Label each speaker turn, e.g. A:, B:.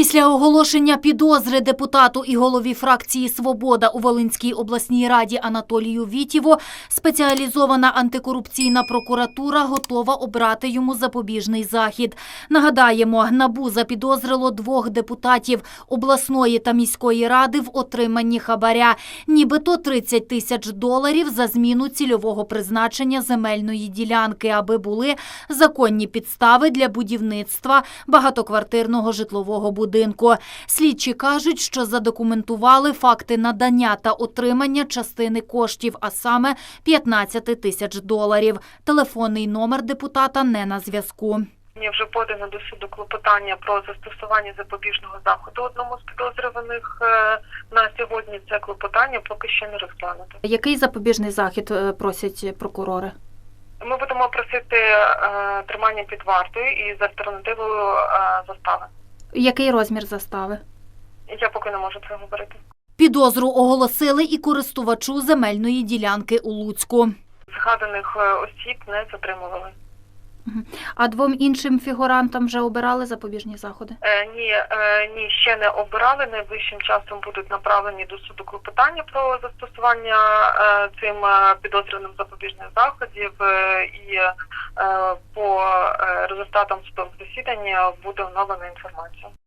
A: Після оголошення підозри депутату і голові фракції «Свобода» у Волинській обласній раді Анатолію Вітєву спеціалізована антикорупційна прокуратура готова обрати йому запобіжний захід. Нагадаємо, НАБУ запідозрило 2 депутатів обласної та міської ради в отриманні хабаря. Нібито $30 тисяч за зміну цільового призначення земельної ділянки, аби були законні підстави для будівництва багатоквартирного житлового будинку. Слідчі кажуть, що задокументували факти надання та отримання частини коштів, а саме $15 тисяч. Телефонний номер депутата не на зв'язку.
B: Мені вже подано до суду клопотання про застосування запобіжного заходу одному з підозрюваних. На сьогодні це клопотання поки що не розглянуто.
A: Який запобіжний захід просять прокурори?
B: Ми будемо просити тримання під вартою і з альтернативою застави.
A: Який розмір застави?
B: Я поки не можу це говорити.
A: Підозру оголосили і користувачу земельної ділянки у Луцьку.
B: Згаданих осіб не затримували.
A: А 2 іншим фігурантам вже обирали запобіжні заходи?
B: Ні, ще не обирали. Найближчим часом будуть направлені до суду клопотання про застосування цим підозрюваним запобіжних заходів і по результатам судових засідань буде оновлена інформація.